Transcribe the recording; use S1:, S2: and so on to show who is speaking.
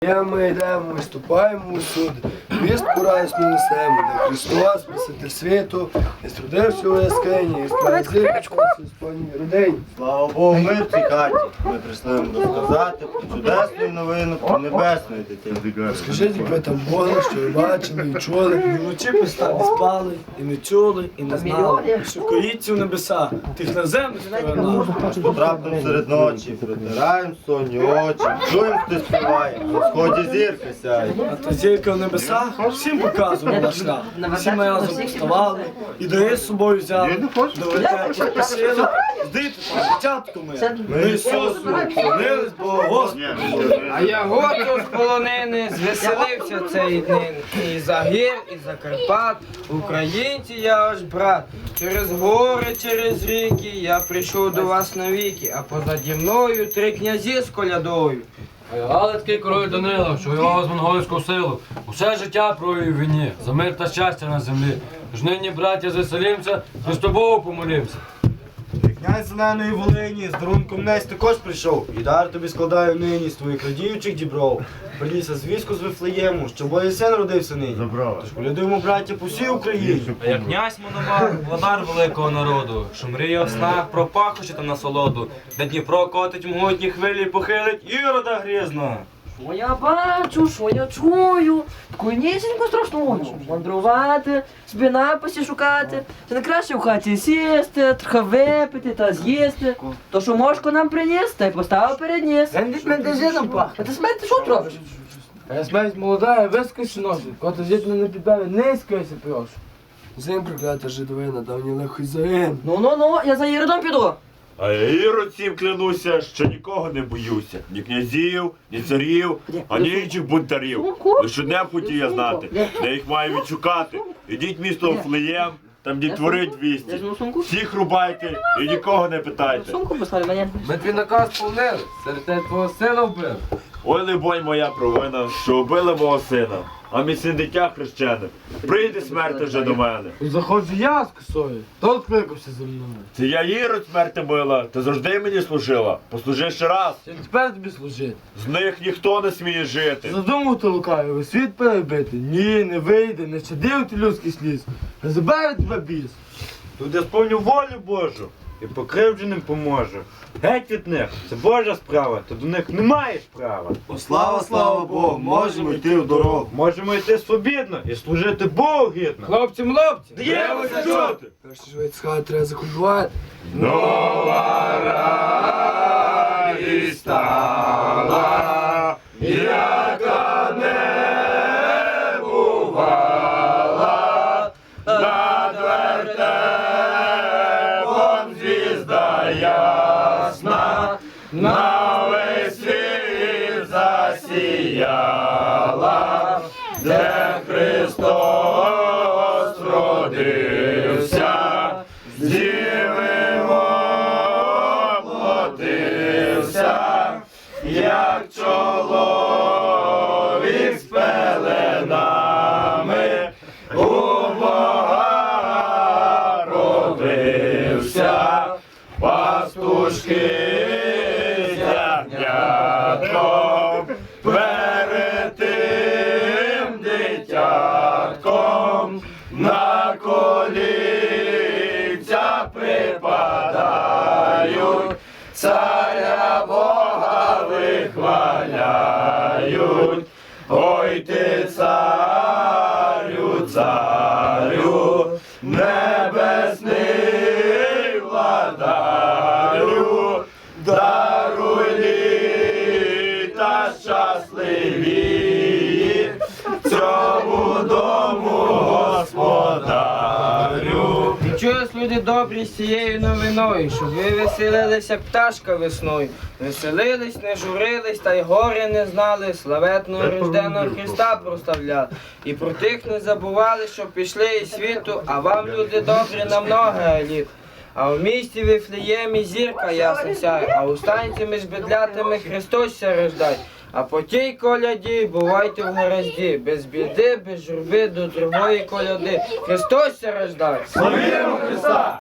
S1: Ми йдемо, ми ступаємо усюди, вістку радісну несемо, де Христос, Спаситель світу, і струдився у яскині, і справедливий Господній родині.
S2: Слава Богу, ми в цій хаті. Ми прийшли вам розказати про чудесну новину, про небесної дитини.
S1: Скажіть, як ви там були, що ви бачили і чули.
S3: Ми вночі не спали, і не чули, і не знали, що коїться в небесах, тих на землю сторона.
S2: Раптом серед ночі протираємо сонні очі, чуємо, хто співає, на сході зірка сяє.
S3: А та зірка в небесах всім показувала шлях. Всі ми разом вставали і дари з собою взяли. До вертепу спасили, здити там дитятку ми Ісусу, клонились Богу Господу.
S4: А я готов з полонини, звеселився цей день. І за гір, і за Карпат, українці я ваш брат. Через гори, через ріки я прийшов до вас навіки, а позаді мною 3 князі з колядою.
S5: Галицький король Данило, що воював з монгольську силу, усе життя провів в війні, за мир та щастя на землі. Тож нині, браття, заселімся, Христу Богу помолімся.
S2: Князь Зеленої Волині з дарунком Несь також прийшов, і дар тобі складаю нині з твоїх радіючих дібров. Приніс звістку з Вифлеєму, що Божий син родився нині. Тож колядуємо, браття, по всій Україні.
S6: А як князь Мономах, владар великого народу, що мріє в снах про пахощі та насолоду, де Дніпро котить могутні хвилі, похилить Ірода грізно.
S7: Що я бачу, що я чую, таку нісеньку страшну ночі. Мандрувати, собі написі шукати. Це не краще в хаті сісти, трохи випити та з'їсти. То, що мошко нам приніс, та й поставив перед ніс.
S4: Він від медизином пахне.
S7: А ти смерть, ти що тут робиш?
S4: А я смерть молода, вискочі носить, коли жити не підбаві, низько я прошу.
S1: Зим проклята жидовина, давній лихий загин.
S7: Ну, я за Єродом піду.
S8: А я Ірод цим клянуся, що нікого не боюся. Ні князів, ні царів, ані інших бунтарів. Лише одне хотів я знати, де їх маю відшукати. Ідіть в місто Вифлеєм, там дітвори 200. Всіх рубайте і нікого не питайте.
S7: Сумку послали мені.
S4: Ми твій наказ сповнили, серед тебе твого сина вбив.
S8: Ой, либонь, моя провина, що убили мого сина, а мій син дитя хрещене. Прийде смерть вже до мене.
S4: Заходжу я з косою, то відкликався за мною.
S8: Це я Ірод смерти мила, ти завжди мені служила. Послужи ще раз.
S4: Я тепер тобі служити.
S8: З них ніхто не сміє жити.
S4: Задумав ти лукавий, світ перебити. Ні, не вийде, не щадив ти людський сліз. Не забере тебе біс.
S2: Тут я сповню волю Божу і покривдженим поможу. Геть від них, це Божа справа, то до них не маєш права. Слава Богу, можемо йти в дорогу. Можемо йти свобідно і служити Богу гідно.
S4: Хлопці,
S8: Дієвося чути!
S1: Перше ж від схати треба закупувати.
S8: Нова радість стала, яка не бувала, над вертепом звізда ясна, на весь світ засіяла, де Христос родився, з Діви воплотився, як чоловік з пеленами, у Бога родився, пастушки з ягнятком, перед тим дитятком на колінця припадають, царя Бога вихваляють. Ой ти, царю, царю, небесний владарю, даруй літа щасливі цьому дому господарю.
S4: І чують люди добрі з цією новиною, щоб ви веселилися, як пташка весною. Веселились, не журились, та й горе не знали, славетного рожденого Христа прославляли. І про тих не забували, що пішли із світу, а вам, люди добрі, на много літ. А в місті Вифлеємі зірка ясна сяє, а у станці між бедлятами Христос ся рождає. А по тій коляді бувайте в гаразді, без біди, без журби до другої коляди. Христос ся рождає.
S8: Славімо Христа!